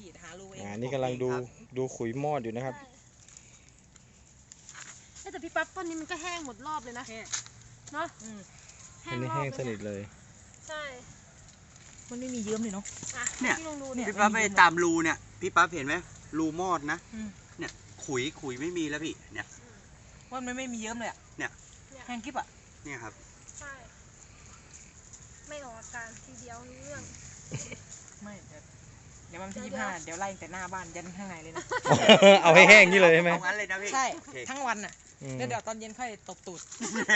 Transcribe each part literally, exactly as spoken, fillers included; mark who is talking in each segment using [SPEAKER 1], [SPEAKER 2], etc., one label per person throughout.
[SPEAKER 1] ฉีดหารูเอง
[SPEAKER 2] อ่านี่กำลังดูดูขุยมอดอยู่นะครับ
[SPEAKER 3] แต่พี่ปั๊บต้นนี้มันก็แห้งหมดรอบเลยนะเนาะ
[SPEAKER 2] อันนี้แห้งสนิทเลย
[SPEAKER 3] ใช่
[SPEAKER 1] มันไม่มีเยิ้มเลยเนาะ
[SPEAKER 4] เนี่ยพี่ปั๊บไปตามรูเนี่ยพี่ปั๊บเห็นไหมรูมอดนะเนี่ยขุยขุยไม่มีแล้วพี่เนี่ย
[SPEAKER 1] ว่ามันไม่มีเยิ้มเลยอ่ะ
[SPEAKER 4] เนี่ย
[SPEAKER 1] แห้งกิ๊บอ่ะ
[SPEAKER 4] เนี่ยครับ
[SPEAKER 3] ใช่ไม่ออกอาการทีเดียวรู้เรื่อง
[SPEAKER 1] ไม่เดี๋ยวมันที่ยี่ห้าเดี๋ยวไล่แต่หน้าบ้านยันข้างในเลยนะ
[SPEAKER 2] เอาให้แห้งนี่เลยใช่ไหม
[SPEAKER 4] เอางั้นเลยนะพี่
[SPEAKER 1] ใช่ทั้งวันอ่ะแล้วเดี๋ยวตอนเย็นค่อยตบตูด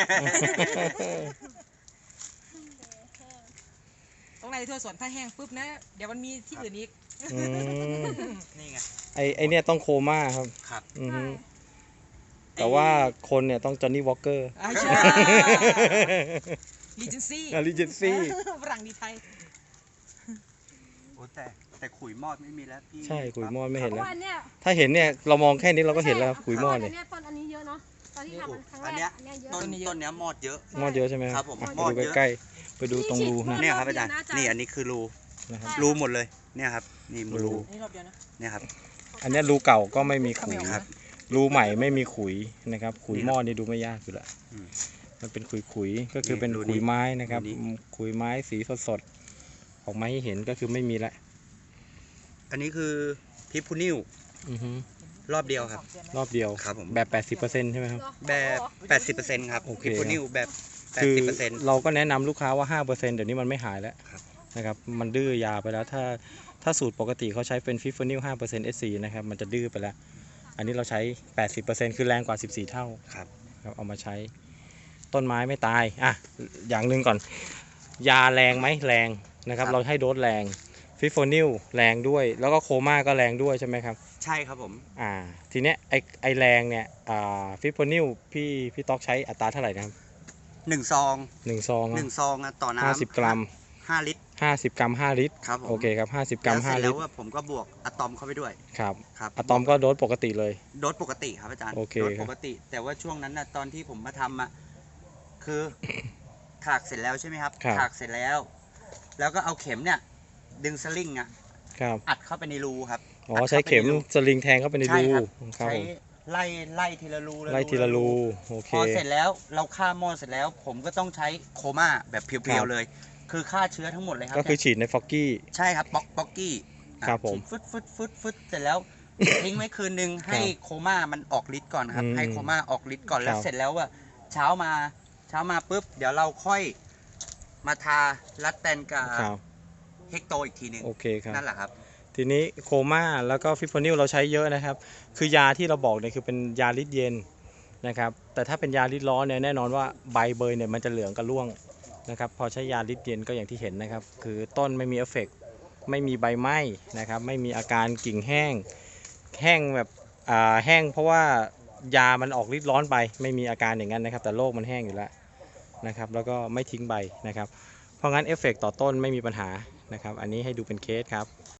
[SPEAKER 1] ตรงไหนทั่วสวนถ้าแห้งปุ๊บนะเดี๋ยวมันมีที่อื่นอีก
[SPEAKER 4] นี่ไง
[SPEAKER 2] ไอไอเนี่ยต้องโคม่าครับ
[SPEAKER 4] ครับ
[SPEAKER 2] แต่ว่าคนเนี่ยต้องจอห์นนี่วอลเกอร์
[SPEAKER 1] ใช่ลีเจนซี่
[SPEAKER 2] ลีเจนซี่
[SPEAKER 1] ฝรั่งดีไทย
[SPEAKER 4] โอ้แต่แต่ขุยมอดไม่มีแล้วพี่
[SPEAKER 2] ใช่ขุยมอดไม่เห็นแล้ว
[SPEAKER 3] เนี่ย
[SPEAKER 2] ถ้าเห็นเนี่ยเรามองแค่นี้เราก็เห็นแล้วขุยมอด
[SPEAKER 3] เนี่
[SPEAKER 2] ย
[SPEAKER 3] ต้นอันนี้เยอะเนาะตอนที่ทำครั้งแรกอันนี้เยอะ
[SPEAKER 4] ต้นต้นเนี้ยมอดเยอะ
[SPEAKER 2] มอดเยอะใช่ไหม
[SPEAKER 4] ครับผม
[SPEAKER 2] มอดเยอะใกล้ไปดูตรงรูนะ
[SPEAKER 4] เนี่ยครับอาจารย์นี่อันนี้คือรูรูหมดเลยเนี่ยครับนี่รูเนี่ยครับ
[SPEAKER 2] อันนี้รูเก่าก็ไม่มีขุยครับรูใหม่ไม่มีขุยนะครับขุยมอดนี่ดูไม่ยากอยู่ละมันเป็นขุยขุยก็คือเป็นขุยไม้นะครับขุยไม้สีสดๆออกมาให้เห็นก็คือไม่มีละ
[SPEAKER 4] อันนี้คือพิพูนิวรอบเดียวครับ
[SPEAKER 2] รอบเดียว
[SPEAKER 4] ครับผม
[SPEAKER 2] แบบ แปดสิบเปอร์เซ็นต์ ใช่ไหมครับ
[SPEAKER 4] แบบ แปดสิบเปอร์เซ็นต์ ครับพิพูนิวแบบ แปดสิบเปอร์เซ็นต์
[SPEAKER 2] เราก็แนะนำลูกค้าว่า ห้าเปอร์เซ็นต์ เดี๋ยวนี้มันไม่หายแล้วนะครับมันดื้อยาไปแล้วถ้าถ้าสูตรปกติเขาใช้เป็นพิพูนิว ห้าเปอร์เซ็นต์ เอส ซี นะครับมันจะดื้อไปแล้วอันนี้เราใช้ แปดสิบเปอร์เซ็นต์ คือแรงกว่าสิบสี่เท่า
[SPEAKER 4] ครับ
[SPEAKER 2] ครับเอามาใช้ต้นไม้ไม่ตายอ่ะอย่างหนึ่งก่อนยาแรงไหมแรงนะครับเราให้โดสแรงฟิโฟนิลแรงด้วยแล้วก็โคม่าก็แรงด้วยใช่ไหมครับ
[SPEAKER 4] ใช่ครับผม
[SPEAKER 2] อ่าทีเนี้ยไอไอแรงเนี่ยอ่าฟิโฟนิลพี่พี่ต๊อกใช้อัตราเท่าไหร่นะครับ
[SPEAKER 4] หนึ่งซอง
[SPEAKER 2] หนึ่งซอง
[SPEAKER 4] หนึ่งซองต่อน้ำ
[SPEAKER 2] ห้าสิบกรัม
[SPEAKER 4] ห้าลิตร
[SPEAKER 2] ห้าสิบกรัมห้าลิตร
[SPEAKER 4] ครับ
[SPEAKER 2] โอเคครับห้าสิบกรัมห้าลิตร
[SPEAKER 4] แล้วผมก็บวกอะตอมเข้าไปด้วย
[SPEAKER 2] ครับครับอะตอมก็โดสปกติเลย
[SPEAKER 4] โดสปกติครับอาจารย์
[SPEAKER 2] โอเค
[SPEAKER 4] โดสปกติแต่ว่าช่วงนั้นนะตอนที่ผมมาทำอ่ะคือถากเสร็จแล้วใช่ไหมครับถากเสร็จแล้วแล้วก็เอาเข็มเนี่ยดึงสลิงอ่ะอัดเข้าไปในรูครับ
[SPEAKER 2] อ๋อใช้เข็มสลิงแทงเข้าไปในรู
[SPEAKER 4] ใช้ไล่ไล่ทีละรู
[SPEAKER 2] ไล่ทีละรูโอเค
[SPEAKER 4] พอเสร็จแล้วเราฆ่ามอดเสร็จแล้วผมก็ต้องใช้โคม่าแบบเพียวๆเลยคือฆ่าเชื้อทั้งหมดเลยครับ
[SPEAKER 2] ก็คือฉีดในฟอกกี้
[SPEAKER 4] ใช่ครับป๊อกป๊อกกี้
[SPEAKER 2] ครับผม
[SPEAKER 4] ฟึดฟึดฟึดฟึดเสร็จแล้วทิ้งไว้คืนนึงให้โคม่ามันออกฤทธิ์ก่อนครับให้โคม่าออกฤทธิ์ก่อนแล้วเสร็จแล้วว่าเช้ามาเช้ามาปุ๊บเดี๋ยวเราค่อยมาทาลัดแตนกับเฮกโตอีกทีนึง
[SPEAKER 2] โอเคครับ
[SPEAKER 4] นั่นแหละครับ
[SPEAKER 2] ทีนี้โคม่าแล้วก็ฟิโฟนิลเราใช้เยอะนะครับคือยาที่เราบอกเนี่ยคือเป็นยาฤทธิ์เย็นนะครับแต่ถ้าเป็นยาฤทธิ์ร้อนเนี่ยแน่นอนว่าใบเบยเนี่ยมันจะเหลืองกับร่วงนะครับพอใช้ยาฤทธิ์เย็นก็อย่างที่เห็นนะครับคือต้นไม่มีเอฟเฟกต์ไม่มีใบไหม้นะครับไม่มีอาการกิ่งแห้งแห้งแบบอ่าแห้งเพราะว่ายามันออกฤทธิ์ร้อนไปไม่มีอาการอย่างนั้นนะครับแต่โรคมันแห้งอยู่แล้วนะครับแล้วก็ไม่ทิ้งใบนะครับเพราะงั้นเอฟเฟกต์ต่อต้นไม่มีปัญหานะครับอันนี้ให้ดูเป็นเคสครับ